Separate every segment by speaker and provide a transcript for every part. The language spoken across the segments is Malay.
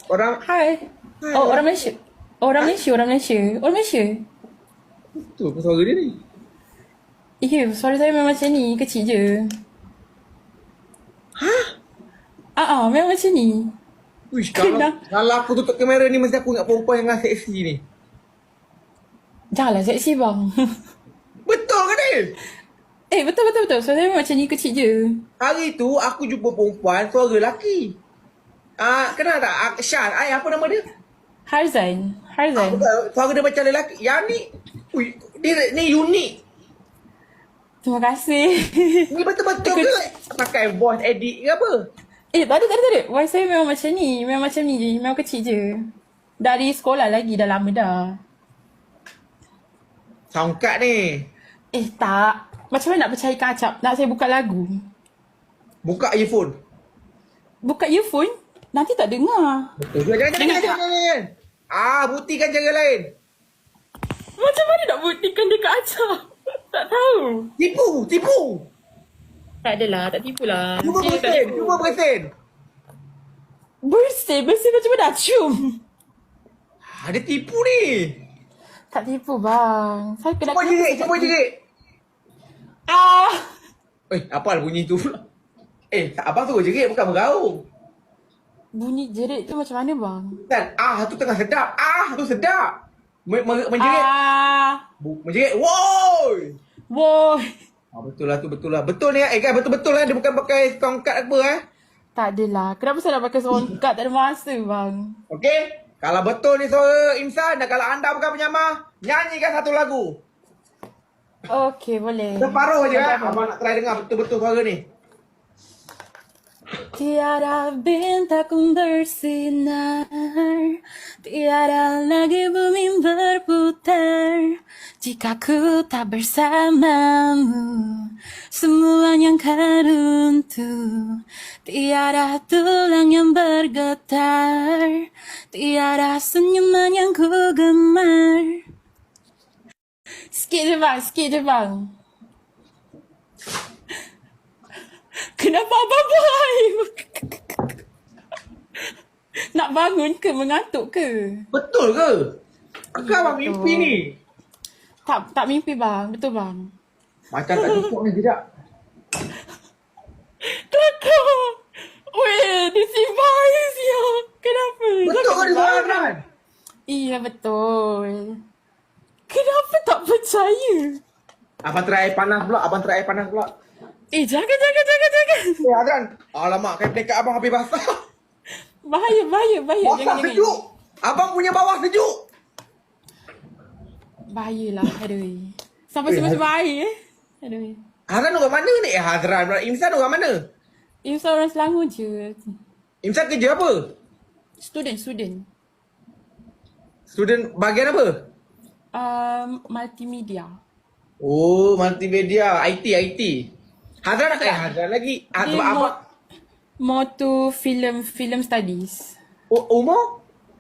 Speaker 1: Orang
Speaker 2: Hai.
Speaker 1: hai
Speaker 2: Oh,
Speaker 1: orang
Speaker 2: orang Malaysia. Oh, orang Malaysia, orang Malaysia. Orang Malaysia.
Speaker 1: tu apa suara dia ni?
Speaker 2: Ya, suara saya memang macam ni, kecil je.
Speaker 1: Hah?
Speaker 2: Memang macam ni.
Speaker 1: Wish, kalau
Speaker 2: Kenapa?
Speaker 1: kalau aku tutup kamera ni mesti aku ingat perempuan yang seksi ni.
Speaker 2: Janganlah seksi bang.
Speaker 1: Betul ke ni?
Speaker 2: Betul, betul, betul. Suara saya memang macam ni, kecil je.
Speaker 1: Hari tu aku jumpa perempuan suara lelaki. Kenal tak? Syah, apa nama dia?
Speaker 2: Harzan. Harzan.
Speaker 1: Betul. Suara dia macam lelaki. Yang ni, dia ni unik.
Speaker 2: Terima kasih.
Speaker 1: Ni betul-betul ke pakai voice edit ke apa?
Speaker 2: Tak ada. Voice saya memang macam ni. Memang macam ni je. Memang kecil je. Dari sekolah lagi, dah lama dah.
Speaker 1: Soundcard ni.
Speaker 2: Tak. Macam mana nak percayakan acap? Nak saya buka lagu?
Speaker 1: Buka earphone.
Speaker 2: Buka earphone? Nanti tak dengar.
Speaker 1: Betul. Jangan.
Speaker 2: Dengar tak?
Speaker 1: Buktikan cara lain.
Speaker 2: Macam mana nak buktikan dekat acap? Tak tahu.
Speaker 1: Tipu.
Speaker 2: Tak adalah, tak tipu lah.
Speaker 1: Cuba
Speaker 2: Saya tak
Speaker 1: bersin.
Speaker 2: tipu.
Speaker 1: Cuba bersin.
Speaker 2: Bersih macam mana nak cium?
Speaker 1: Dia tipu ni.
Speaker 2: Tak tipu bang. Saya kena
Speaker 1: Cuba jerit. Apa bunyi tu pula? Abang suruh jerit bukan meraung.
Speaker 2: Bunyi jerit tu macam mana bang?
Speaker 1: Kan? Tu tengah sedap. Tu sedap. Menjerit. Menjerit. Woi.
Speaker 2: Woi.
Speaker 1: Betul lah. Betul ni kan betul-betul dia bukan pakai tongkat apa
Speaker 2: Tak adalah. Kenapa saya nak pakai songkat? Tak ada masa bang.
Speaker 1: Okey. Kalau betul ni suara Imsan dan kalau anda bukan penyamah, nyanyikan satu lagu.
Speaker 2: Okey, boleh.
Speaker 1: Separuh je
Speaker 2: Apa-apa.
Speaker 1: Abang nak try dengar betul-betul suara ni.
Speaker 2: Tiada bintang bersinar, tiada lagi bumi berputar. Jika ku tak bersamamu, semuanya akan runtuh. Tiada tulang yang bergetar, tiada senyuman yang ku gemar. Sikit je bang. Kenapa abang buai? Nak bangun ke? Mengantuk ke?
Speaker 1: Betul ke? Akak abang mimpi ni.
Speaker 2: Tak mimpi bang. Betul bang.
Speaker 1: Macam tak cukup ni tidak.
Speaker 2: Kelakar. Weh, dia simpan ya. Kenapa?
Speaker 1: Betul ke dia suara Adnan?
Speaker 2: Iya betul. Kenapa tak percaya?
Speaker 1: Abang try air panas pula.
Speaker 2: Jangan.
Speaker 1: Adnan. Alamak, kain plekat abang habis basah.
Speaker 2: Bahaya.
Speaker 1: Bawah
Speaker 2: Jangan.
Speaker 1: sejuk. Abang punya bawah sejuk.
Speaker 2: Bahayalah. Aduh. Sampai sebab bahaya Aduh.
Speaker 1: Hazran orang mana ni? Hazran pula. Imsan orang mana?
Speaker 2: Imsan orang Selangor je.
Speaker 1: Imsan kerja apa?
Speaker 2: Student.
Speaker 1: Student bahagian apa?
Speaker 2: Multimedia.
Speaker 1: Oh, multimedia. IT. Hazran nak Hazran lagi.
Speaker 2: Dia
Speaker 1: Sebab abang.
Speaker 2: more to film studies.
Speaker 1: Umur?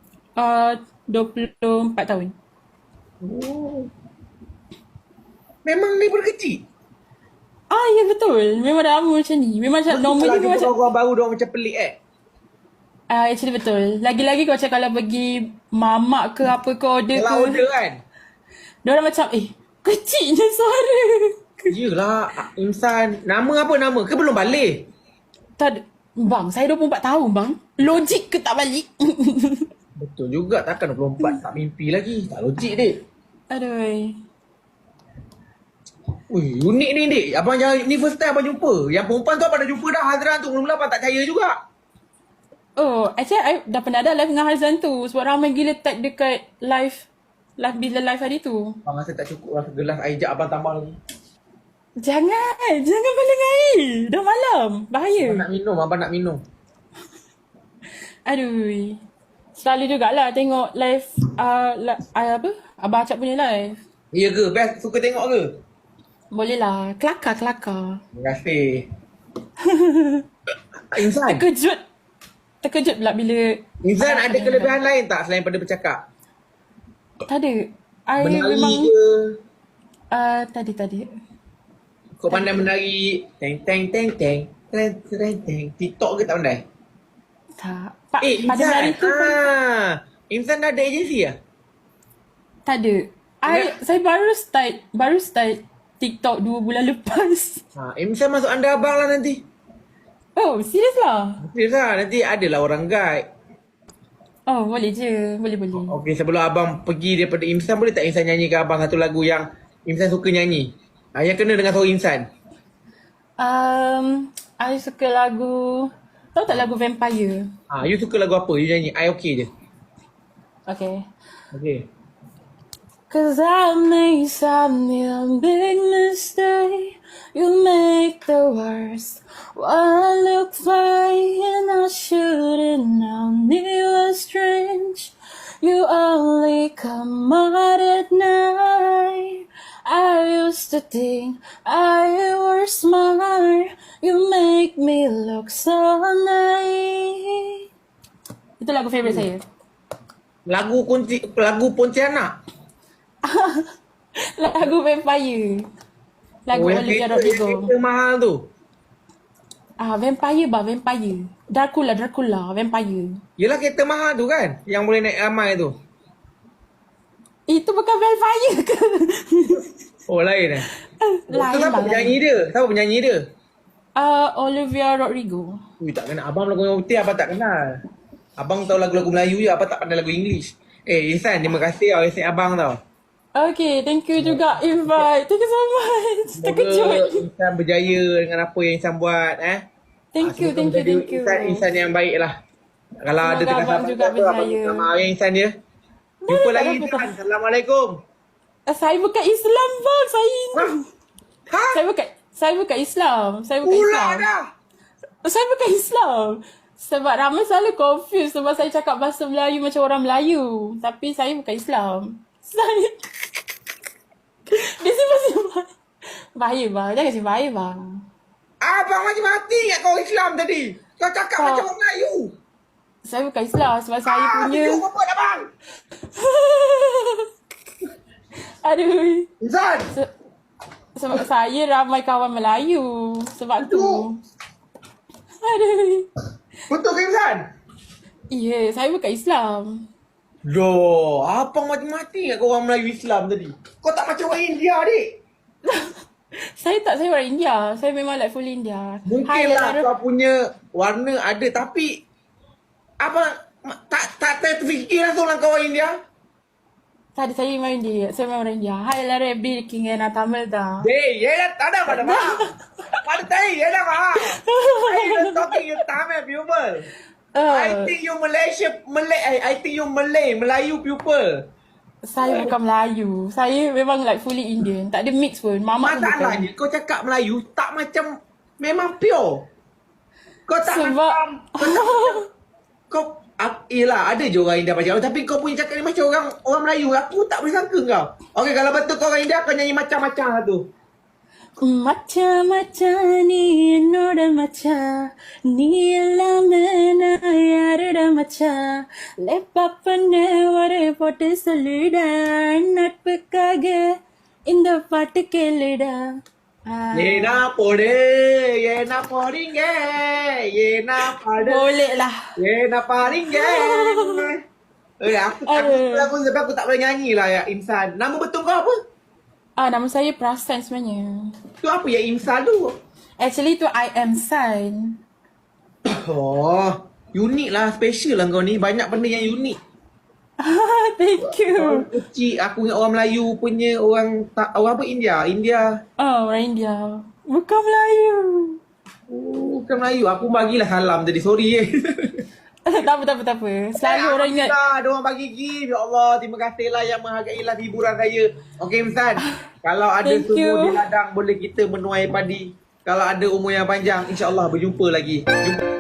Speaker 2: 24 tahun.
Speaker 1: Oh. Memang ni kecil.
Speaker 2: Ya betul. Memang dah lama macam ni. Memang macam normal ni macam
Speaker 1: orang baru dia macam pelik
Speaker 2: actually betul. Lagi-lagi kau macam kalau pergi mamak ke apa ke order
Speaker 1: Kalau
Speaker 2: ke.
Speaker 1: order kan.
Speaker 2: Diorang macam kecilnya suara.
Speaker 1: Yelah, Imsan. Nama apa nama? Ke belum balik?
Speaker 2: Tak ada. Bang, saya 24 tahun bang. Logik ke tak balik?
Speaker 1: Betul juga. Takkan 24 tak mimpi lagi. Tak logik dek.
Speaker 2: Aduh.
Speaker 1: Ui, unik ni dek. Abang jangan, ni first time abang jumpa. Yang perempuan tu abang dah jumpa dah Hazran tu. Mula-mula abang tak percaya juga.
Speaker 2: Actually I dah pernah ada live dengan Harzan tu. Sebab ramai gila tag dekat live bila live hari tu.
Speaker 1: Abang rasa tak cukup lah. Gelas air jap abang tambah lagi.
Speaker 2: Jangan balik air. Dah malam. Bahaya.
Speaker 1: Abang nak minum.
Speaker 2: Aduh. Selalu jugalah tengok live apa? Abang Acap punya live.
Speaker 1: Ya ke? Best suka tengok ke?
Speaker 2: Boleh lah. Kelakar.
Speaker 1: Terima kasih. Insan.
Speaker 2: Terkejut pula bila
Speaker 1: Insan ada kelebihan lain tak selain pada bercakap?
Speaker 2: tak ada. I
Speaker 1: Menari
Speaker 2: memang
Speaker 1: ke?
Speaker 2: tadi.
Speaker 1: Kau pandai menari teng. TikTok ke tak pandai?
Speaker 2: Tak. Pada
Speaker 1: Insan.
Speaker 2: hari tu pun
Speaker 1: Insan dah ada agensi lah?
Speaker 2: tak ada. Saya baru start TikTok 2 bulan lepas.
Speaker 1: Insan masuk anda abang lah nanti.
Speaker 2: Oh, serius lah?
Speaker 1: Serius lah, nanti adalah orang guide.
Speaker 2: Oh, boleh je. Boleh.
Speaker 1: Okey, sebelum abang pergi daripada Insan, boleh tak Insan nyanyikan abang satu lagu yang Insan suka nyanyi? Yang kena dengan suara Insan.
Speaker 2: I suka lagu, tahu tak lagu Vampire?
Speaker 1: You suka lagu apa? You nyanyi. I okey je.
Speaker 2: Okay.
Speaker 1: Okey.
Speaker 2: Cause I made some big mistake. You make the worst. What I look fine and I should've known it was strange. You only come out at night. I used to think I was smart. You make me look so nice. Itu lagu favorite saya.
Speaker 1: Lagu Pontianak.
Speaker 2: Lagu Vampire. Lagu Olivia Rodrigo.
Speaker 1: Kereta mahal tu.
Speaker 2: Vampire. Dracula, Vampire.
Speaker 1: Yelah kereta mahal tu kan? Yang boleh naik ramai tu.
Speaker 2: Itu bukan Vampire ke?
Speaker 1: Oh lain
Speaker 2: Lain
Speaker 1: siapa
Speaker 2: bang.
Speaker 1: penyanyi dia? Siapa penyanyi dia?
Speaker 2: Olivia Rodrigo.
Speaker 1: Ui tak kenal. Abang lagu yang putih abang tak kenal. Abang tahu lagu-lagu Melayu je. Abang tak pandai lagu English. Insan, terima kasih tau. Insan abang tau.
Speaker 2: Okay, thank you juga invite. Thank you so much. Terkejut.
Speaker 1: Semoga Insan berjaya dengan apa yang Insan buat.
Speaker 2: Thank you.
Speaker 1: Insan yang baik lah. Kalau
Speaker 2: Semoga
Speaker 1: ada tengah
Speaker 2: abang
Speaker 1: sabar
Speaker 2: juga
Speaker 1: tu, abang
Speaker 2: berjaya.
Speaker 1: minta maaf ya Insan dia. Jumpa lagi Insan. Assalamualaikum.
Speaker 2: Saya bukan Islam bang. Saya bukan Islam.
Speaker 1: Pula dah.
Speaker 2: Saya bukan Islam. Sebab ramai selalu confuse sebab saya cakap bahasa Melayu macam orang Melayu. Tapi saya bukan Islam. Saya... Dia simpan. Bahaya bang. Jangan simpan bahaya bang.
Speaker 1: Abang mati ingat kau Islam tadi. Kau cakap macam orang Melayu.
Speaker 2: Saya bukan Islam sebab saya punya...
Speaker 1: Video apa abang?
Speaker 2: Aduh.
Speaker 1: Insan.
Speaker 2: Sebab saya ramai kawan Melayu. Sebab tu. Aduh.
Speaker 1: Betul ke Insan?
Speaker 2: Ya, saya bukan Islam.
Speaker 1: Loh, abang mati-mati ingat kau orang Melayu Islam tadi. Kau tak macam orang India, adik.
Speaker 2: Saya orang India. Saya memang like full India.
Speaker 1: Mungkinlah kau punya warna ada tapi abang tak terfikir lah seorang kau orang India.
Speaker 2: Tak ada, saya memang India. Saya memang orang India. Hai எல்லாரும் எப்படி இருக்கீங்க? நான் தமிழ் தான்.
Speaker 1: Hey, ஏடா தடா படமா? படத்தை ஏடா வா? I talking you Tamil people. I think you I think you Melayu people.
Speaker 2: Saya bukan Melayu. Saya memang like fully Indian. Tak ada mix pun. Mama pun bukan.
Speaker 1: Masalahnya kau cakap Melayu tak macam memang pure. Kau tak
Speaker 2: Sebab-
Speaker 1: macam kau yelah ada je orang India macam tapi kau punya cakap ni macam orang Melayu. Aku tak boleh sangka kau. Okey kalau betul kau orang India kau nyanyi macam-macam lah tu.
Speaker 2: மச்சான் மச்சான் நீ என்னோட மச்சான் நீ எல்லாமே நான் யாரோட மச்சான் லெப்பா பண்ண ஒரு போட்டு சொல்லுடா நட்புக்காக இந்த பாட்டு கேளுடா.
Speaker 1: Yena pode, yena podinge, yena pade.
Speaker 2: Boleh lah.
Speaker 1: Yena paringe. Aku sebab aku tak boleh nyanyi lah ya Insan. Nama betul kau apa?
Speaker 2: Nama saya Prasan sebenarnya.
Speaker 1: Tu apa ya Insan tu?
Speaker 2: Actually tu I am San.
Speaker 1: Oh, unik lah, special lah kau ni. Banyak benda yang unik.
Speaker 2: Thank you.
Speaker 1: Orang kecil, aku ingat orang Melayu punya orang apa India.
Speaker 2: Orang India. Bukan Melayu.
Speaker 1: Bukan Melayu. Aku bagilah salam tadi. Sorry
Speaker 2: Tak apa. Selalu orang ingat.
Speaker 1: Ada orang bagi gift. Ya Allah, terima kasih lah yang menghargailah hiburan saya. Okey Insan, kalau ada
Speaker 2: Thank
Speaker 1: semua
Speaker 2: you.
Speaker 1: di ladang boleh kita menuai padi. Kalau ada umur yang panjang, insya-Allah berjumpa lagi. Jumpa.